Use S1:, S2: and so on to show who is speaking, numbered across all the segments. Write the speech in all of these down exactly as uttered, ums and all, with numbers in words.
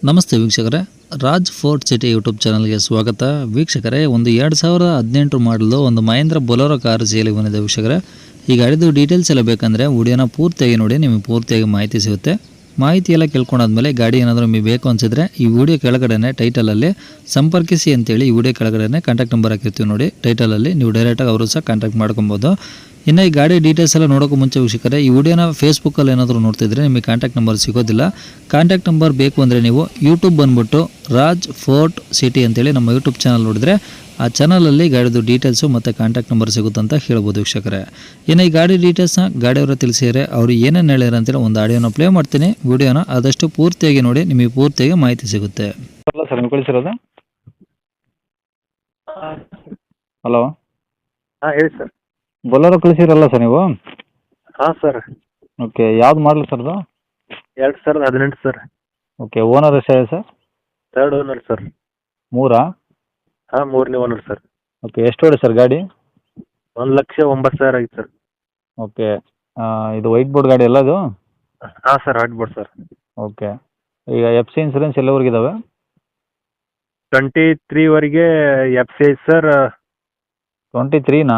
S1: ನಮಸ್ತೆ ವೀಕ್ಷಕರೇ, Raj fort city YouTube ಚಾನಲ್ಗೆ ಸ್ವಾಗತ. ವೀಕ್ಷಕರೇ, ಒಂದು ಎರಡು ಸಾವಿರದ ಹದಿನೆಂಟು ಮಾಡಲು ಒಂದು ಮಹೇಂದ್ರ ಬೊಲೆರೋ ಕಾರು ಸೇಲಿಗೆ ಬಂದಿದೆ. ವೀಕ್ಷಕರೇ, ಈ ಗಾಡಿದು ಡೀಟೇಲ್ಸ್ ಎಲ್ಲ ಬೇಕಂದರೆ ವಿಡಿಯೋನ ಪೂರ್ತಿಯಾಗಿ ನೋಡಿ, ನಿಮಗೆ ಪೂರ್ತಿಯಾಗಿ ಮಾಹಿತಿ ಸಿಗುತ್ತೆ. ಮಾಹಿತಿ ಎಲ್ಲ ಕೇಳ್ಕೊಂಡಾದ್ಮೇಲೆ ಗಾಡಿ ಏನಾದರೂ ನಿಮಗೆ ಬೇಕು ಅನಿಸಿದ್ರೆ ಈ ವಿಡಿಯೋ ಕೆಳಗಡೆ ಟೈಟಲಲ್ಲಿ ಸಂಪರ್ಕಿಸಿ ಅಂತೇಳಿ ಈ ವಿಡಿಯೋ ಕೆಳಗಡೆ ಕಾಂಟ್ಯಾಕ್ಟ್ ನಂಬರ್ ಹಾಕಿರ್ತೀವಿ ನೋಡಿ. ಟೈಟಲಲ್ಲಿ ನೀವು ಡೈರೆಕ್ಟಾಗಿ ಅವರು ಸಹ ಕಾಂಟ್ಯಾಕ್ಟ್ ಮಾಡ್ಕೊಬೋದು. ಇನ್ನು ಈ ಗಾಡಿ ಡೀಟೇಲ್ಸ್ ಎಲ್ಲ ನೋಡೋಕ್ಕೂ ಮುಂಚೆ ವೀಕ್ಷಕರೇ, ಈ ವಿಡಿಯೋನ ಫೇಸ್ಬುಕ್ಕಲ್ಲಿ ಏನಾದರೂ ನೋಡ್ತಿದ್ರೆ ನಿಮಗೆ ಕಾಂಟ್ಯಾಕ್ಟ್ ನಂಬರ್ ಸಿಗೋದಿಲ್ಲ. ಕಾಂಟ್ಯಾಕ್ಟ್ ನಂಬರ್ ಬೇಕು ಅಂದರೆ ನೀವು ಯೂಟ್ಯೂಬ್ ಬಂದುಬಿಟ್ಟು ರಾಜ್ ಫೋರ್ಟ್ ಸಿಟಿ ಅಂತೇಳಿ ನಮ್ಮ ಯೂಟ್ಯೂಬ್ ಚಾನಲ್ ನೋಡಿದ್ರೆ ಆ ಚಾನಲಲ್ಲಿ ಗಾಡಿದು ಡೀಟೇಲ್ಸು ಮತ್ತು ಕಾಂಟ್ಯಾಕ್ಟ್ ನಂಬರ್ ಸಿಗುತ್ತೆ ಅಂತ ಹೇಳ್ಬೋದು ವೀಕ್ಷಕರೇ. ಇನ್ನು ಈ ಗಾಡಿ ಡೀಟೇಲ್ಸ್ನ ಗಾಡಿಯವರ ತಿಳಿಸಿದರೆ ಅವರು ಏನೇನು ಹೇಳ್ಯಾರ ಅಂತೇಳಿ ಒಂದು ಆಡಿಯೋನ ಪ್ಲೇ ಮಾಡ್ತೀನಿ. ವಿಡಿಯೋನ ಆದಷ್ಟು ಪೂರ್ತಿಯಾಗಿ ನೋಡಿ, ನಿಮಗೆ ಪೂರ್ತಿಯಾಗಿ ಮಾಹಿತಿ ಸಿಗುತ್ತೆ. ಸರ್ ನೀವು ಕಳಿಸಿರೋದು? ಹಲೋ,
S2: ಹಾಂ ಹೇಳಿ ಸರ್.
S1: ಬೊಲೆರೋ ಕಳಿಸಿರಲ್ಲ ಸರ್ ನೀವು?
S2: ಹಾಂ ಸರ್.
S1: ಓಕೆ, ಯಾವ್ದು ಮಾಡಲಿ ಸರ್ ಅದು?
S2: ಎರಡು ಸಾವಿರದ ಹದಿನೆಂಟು ಸರ್.
S1: ಓಕೆ, ಓನರ್ ಎಷ್ಟಾಗಿದೆ ಸರ್?
S2: Third owner sir.
S1: ಮೂರಾ?
S2: ಹಾಂ, ಮೂರನೇ ಓನರ್ ಸರ್.
S1: ಓಕೆ, ಎಷ್ಟು ಹೊಡೆ ಸರ್ ಗಾಡಿ?
S2: ಒಂದು ಲಕ್ಷ ಒಂಬತ್ತು ಸಾವಿರ ಆಗಿತ್ತು ಸರ್.
S1: ಓಕೆ, ಇದು ವೈಟ್ ಬೋರ್ಡ್ ಗಾಡಿ ಅಲ್ಲ ಅದು?
S2: ಹಾಂ ಸರ್, ಆಗ್ಬೋದು ಸರ್.
S1: ಓಕೆ, ಈಗ ಎಫ್ ಸಿ ಇನ್ಸೂರೆನ್ಸ್ ಎಲ್ಲವರೆಗೆ ಇದಾವೆ?
S2: ಟ್ವೆಂಟಿ ತ್ರೀವರೆಗೆ ಎಫ್ ಸಿ ಐತೆ ಸರ್.
S1: ಟ್ವೆಂಟಿ ತ್ರೀನಾ?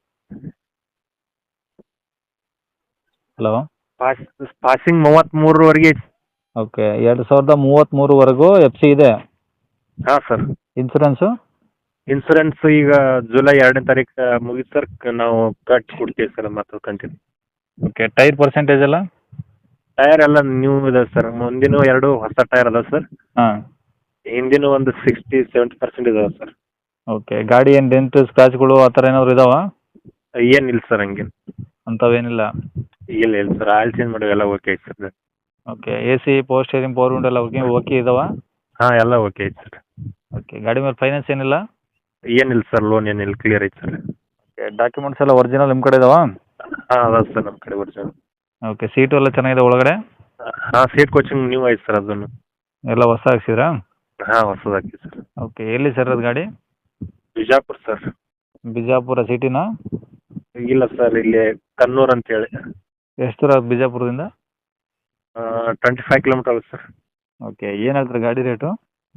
S1: ಹಲೋ,
S2: ಪಾಸ್ ಪಾಸಿಂಗ್ ಮೂವತ್ತ್ಮೂರವರೆಗೆ ಐತೆ.
S1: ಓಕೆ, ಎರಡು ಸಾವಿರದ ಮೂವತ್ತ್ಮೂರುವರೆಗೂ ಎಫ್ ಸಿ ಇದೆ.
S2: ಹಾಂ ಸರ್.
S1: ಇನ್ಸೂರೆನ್ಸು?
S2: ಇನ್ಸೂರೆನ್ಸ್ ಈಗ ಜುಲೈ ಎರಡನೇ ತಾರೀಕು ಮುಗಿತು ಸರ್. ನಾವು ಕಟ್ಟಿ ಕೊಡ್ತೀವಿ ಸರ್ ಮತ್ತು ಕಂಟಿನ್ಯೂ.
S1: ಓಕೆ, ಟೈರ್ ಪರ್ಸೆಂಟೇಜ್ ಎಲ್ಲ?
S2: ಟೈರ್ ಎಲ್ಲ ನ್ಯೂ ಇದೆ ಸರ್. ಮುಂದಿನ ಎರಡು ಹೊಸ ಟೈರ್ ಅದಾವೆ ಸರ್.
S1: ಹಾಂ,
S2: ಹಿಂದಿನ ಒಂದು ಸಿಕ್ಸ್ಟಿ ಸೆವೆಂಟಿ ಪರ್ಸೆಂಟ್ ಇದಾವೆ ಸರ್.
S1: ಓಕೆ, ಗಾಡಿ ಏನು ಡೆಂಟ್ ಸ್ಕ್ರಾಚ್ಗಳು ಆ ಥರ ಏನಾದ್ರು ಇದಾವ?
S2: ಏನಿಲ್ಲ ಸರ್, ಹಂಗೇನು
S1: ಅಂಥವೇನಿಲ್ಲ?
S2: ಇಲ್ಲ ಇಲ್ಲ ಸರ್, ಆಯಿಲ್ ಚೇಂಜ್ ಮಾಡಿ ಎಲ್ಲ ಓಕೆ ಐತೆ sir.
S1: Okay, A C power steering power window ಎಲ್ಲ ಓಕೆ ಓಕೆ ಇದಾವ?
S2: ಹಾಂ, ಎಲ್ಲ ಓಕೆ ಐತೆ ಸರ್.
S1: ಓಕೆ, ಗಾಡಿ ಮೇಲೆ ಫೈನಾನ್ಸ್ ಏನಿಲ್ಲ?
S2: ಏನಿಲ್ಲ ಸರ್, ಲೋನ್ ಏನಿಲ್ಲ, ಕ್ಲಿಯರ್ ಐತೆ ಸರ್.
S1: ಓಕೆ, ಡಾಕ್ಯುಮೆಂಟ್ಸ್ ಎಲ್ಲ ಒರಿಜಿನಲ್ ನಿಮ್ಮ ಕಡೆ ಇದಾವ?
S2: ಹಾಂ ಅದಾವೆ ಸರ್, ನಮ್ಮ ಕಡೆ ಒರಿಜಿನಲ್.
S1: ಓಕೆ, ಸೀಟು ಎಲ್ಲ ಚೆನ್ನಾಗಿದೆ ಒಳಗಡೆ?
S2: ಹಾಂ, ಸೀಟ್ ಕೋಚಿಂಗ್ ನ್ಯೂ ಐತೆ ಸರ್. ಅದನ್ನು
S1: ಎಲ್ಲ ಹೊಸ ಹಾಕ್ಸಿದ್ರಾ?
S2: ಹಾಂ, ಹೊಸದಾಕಿ ಸರ್.
S1: ಓಕೆ, ಎಲ್ಲಿ ಸರ್ ಅದು ಗಾಡಿ?
S2: ಬಿಜಾಪುರ ಸರ್.
S1: ಬಿಜಾಪುರ ಸಿಟಿನಾ?
S2: ಇಲ್ಲ ಸರ್, ಇಲ್ಲಿ ಕನ್ನೂರ್ ಅಂತೇಳಿ.
S1: ಎಷ್ಟು ದೂರ ಆಗುತ್ತೆ ಬಿಜಾಪುರದಿಂದ?
S2: ಟ್ವೆಂಟಿ ಫೈವ್ ಕಿಲೋಮೀಟರ್ ಆಗುತ್ತೆ ಸರ್.
S1: ಓಕೆ, ಏನು ಹೇಳ್ತಾರೆ ಗಾಡಿ ರೇಟು?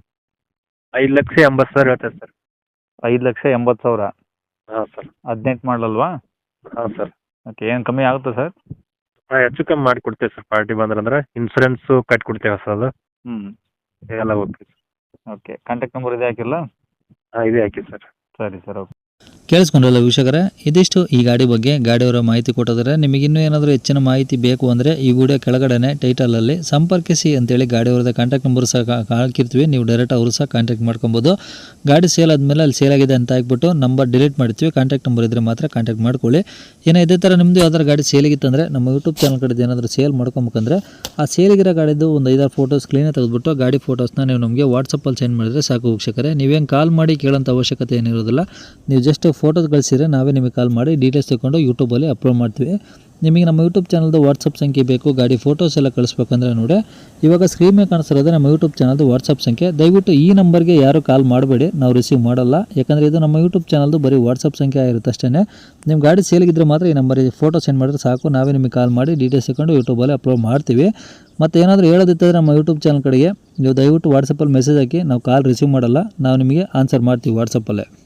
S2: ಐದು ಲಕ್ಷ ಎಂಬತ್ತು ಸಾವಿರ ಹೇಳ್ತಾರೆ ಸರ್.
S1: ಐದು ಲಕ್ಷ ಎಂಬತ್ತು ಸಾವಿರ?
S2: ಹಾಂ ಸರ್.
S1: ಹದಿನೆಂಟು ಮಾಡಲಲ್ವಾ?
S2: ಹಾಂ ಸರ್.
S1: ಓಕೆ, ಏನು ಕಮ್ಮಿ ಆಗುತ್ತಾ ಸರ್?
S2: ಹಾಂ, ಹೆಚ್ಚು ಕಮ್ಮಿ ಮಾಡಿ ಕೊಡ್ತೇವೆ ಸರ್. ಪಾರ್ಟಿ ಬಂದ್ರಂದ್ರೆ ಇನ್ಸೂರೆನ್ಸು ಕಟ್ಟಿ ಕೊಡ್ತೇವೆ ಹೊಸದು.
S1: ಹ್ಞೂ,
S2: ಎಲ್ಲ ಓಕೆ.
S1: ಓಕೆ, ಕಾಂಟ್ಯಾಕ್ಟ್ ನಂಬರ್ ಇದೆ ಹಾಕಿಲ್ಲ?
S2: ಹಾಂ, ಇದೇ ಹಾಕಿ ಸರ್.
S1: ಸರಿ ಸರ್, ಓಕೆ. ಕೇಳಿಸ್ಕೊಂಡ್ರಲ್ಲ ವೀಕ್ಷಕರೇ, ಇದಿಷ್ಟು ಈ ಗಾಡಿ ಬಗ್ಗೆ ಗಾಡಿಯವರ ಮಾಹಿತಿ ಕೊಟ್ಟಿದ್ದಾರೆ. ನಿಮಗಿನ್ನೂ ಏನಾದರೂ ಹೆಚ್ಚಿನ ಮಾಹಿತಿ ಬೇಕು ಅಂದರೆ ಈ ವಿಡಿಯೋ ಕೆಳಗಡೆ ಟೈಟಲಲ್ಲಿ ಸಂಪರ್ಕಿಸಿ ಅಂತೇಳಿ ಗಾಡಿಯವ್ರದ್ದು ಕಾಂಟ್ಯಾಕ್ಟ್ ನಂಬರ್ ಸಹ ಹಾಕಿರ್ತೀವಿ. ನೀವು ಡೈರೆಕ್ಟ್ ಅವರು ಸಹ ಕಾಂಟ್ಯಾಕ್ಟ್ ಮಾಡ್ಕೊಬೋದು. ಗಾಡಿ ಸೇಲ್ ಆದಮೇಲೆ ಅಲ್ಲಿ ಸೇಲ್ ಆಗಿದೆ ಅಂತ ಹಾಕ್ಬಿಟ್ಟು ನಂಬರ್ ಡಿಲೀಟ್ ಮಾಡ್ತೀವಿ. ಕಾಂಟ್ಯಾಕ್ಟ್ ನಂಬರ್ ಇದ್ದರೆ ಮಾತ್ರ ಕಾಂಟ್ಯಾಕ್ಟ್ ಮಾಡ್ಕೊಳ್ಳಿ. ಏನೋ ಇದೇ ಥರ ನಿಮ್ಮದು ಯಾವ್ದಾರು ಗಾಡಿ ಸೇಲಿಗಿತ್ತಂದರೆ ನಮ್ಮ ಯೂಟ್ಯೂಬ್ ಚಾನಲ್ ಕಡೆದು ಏನಾದರೂ ಸೇಲ್ ಮಾಡ್ಕೊಬೇಕಂದ್ರೆ ಆ ಸೇಲಿಗಿರೋ ಗಾಡಿದು ಒಂದು ಐದಾರು ಫೋಟೋಸ್ ಕ್ಲೀನಾಗಿ ತೆಗೆದುಬಿಟ್ಟು ಗಾಡಿ ಫೋಟೋಸ್ನ ನೀವು ನಮಗೆ ವಾಟ್ಸಪ್ಪಲ್ಲಿ ಸೆಂಡ್ ಮಾಡಿದರೆ ಸಾಕು ವೀಕ್ಷಕರೇ. ನೀವೇನು ಕಾಲ್ ಮಾಡಿ ಕೇಳೋಂಥ ಅವಶ್ಯಕತೆ ಏನಿರೋದಿಲ್ಲ. ನೀವು ಜಸ್ಟ್ ಫೋಟೋಸ್ ಕಳಿಸಿದರೆ ನಾವೇ ನಿಮಗೆ ಕಾಲ್ ಮಾಡಿ ಡೀಟೇಲ್ಸ್ ತಗೊಂಡು ಯೂಟ್ಯೂಬಲ್ಲಿ ಅಪ್ಲೋಡ್ ಮಾಡ್ತೀವಿ. ನಿಮಗೆ ನಮ್ಮ ಯೂಟ್ಯೂಬ್ ಚಾನಲ್ದು ವಾಟ್ಸಪ್ ಸಂಖ್ಯೆ ಬೇಕು, ಗಾಡಿ ಫೋಟೋಸ್ ಎಲ್ಲ ಕಳಿಸ್ಬೇಕಂದ್ರೆ ನೋಡಿ ಇವಾಗ ಸ್ಕ್ರೀನ್ ಮೇಲೆ ಕಾಣಿಸ್ತಿರೋದು ನಮ್ಮ ಯೂಟ್ಯೂಬ್ ಚಾನಲ್ದು ವಾಟ್ಸಪ್ ಸಂಖ್ಯೆ. ದಯವಿಟ್ಟು ಈ ನಂಬರ್ಗೆ ಯಾರು ಕಾಲ್ ಮಾಡಬೇಡಿ, ನಾವು ರಿಸೀವ್ ಮಾಡಲ್ಲ. ಯಾಕಂದರೆ ಇದು ನಮ್ಮ ಯೂಟ್ಯೂಬ್ ಚಾನಲ್ದು ಬರೀ ವಾಟ್ಸಪ್ ಸಂಖ್ಯೆ ಆಗಿರುತ್ತೆ ಅಷ್ಟೇ. ನಿಮ್ಮ ಗಾಡಿ ಸೇಲಿಗಿದ್ರೆ ಮಾತ್ರ ಈ ನಂಬರಿಗೆ ಫೋಟೋ ಸೆಂಡ್ ಮಾಡಿದ್ರೆ ಸಾಕು, ನಾವೇ ನಿಮಗೆ ಕಾಲ್ ಮಾಡಿ ಡೀಟೇಲ್ಸ್ ತಗೊಂಡು ಯೂಟ್ಯೂಬಲ್ಲಿ ಅಪ್ಲೋಡ್ ಮಾಡ್ತೀವಿ. ಮತ್ತು ಏನಾದರೂ ಹೇಳೋದಿತ್ತಂದರೆ ನಮ್ಮ ಯೂಟ್ಯೂಬ್ ಚಾನಲ್ ಕಡೆಗೆ ನೀವು ದಯವಿಟ್ಟು ವಾಟ್ಸಪ್ಪಲ್ಲಿ ಮೆಸೇಜ್ ಹಾಕಿ, ನಾವು ಕಾಲ್ ರಿಸೀವ್ ಮಾಡಲ್ಲ, ನಾವು ನಿಮಗೆ ಆನ್ಸರ್ ಮಾಡ್ತೀವಿ ವಾಟ್ಸಪ್ಪಲ್ಲೇ.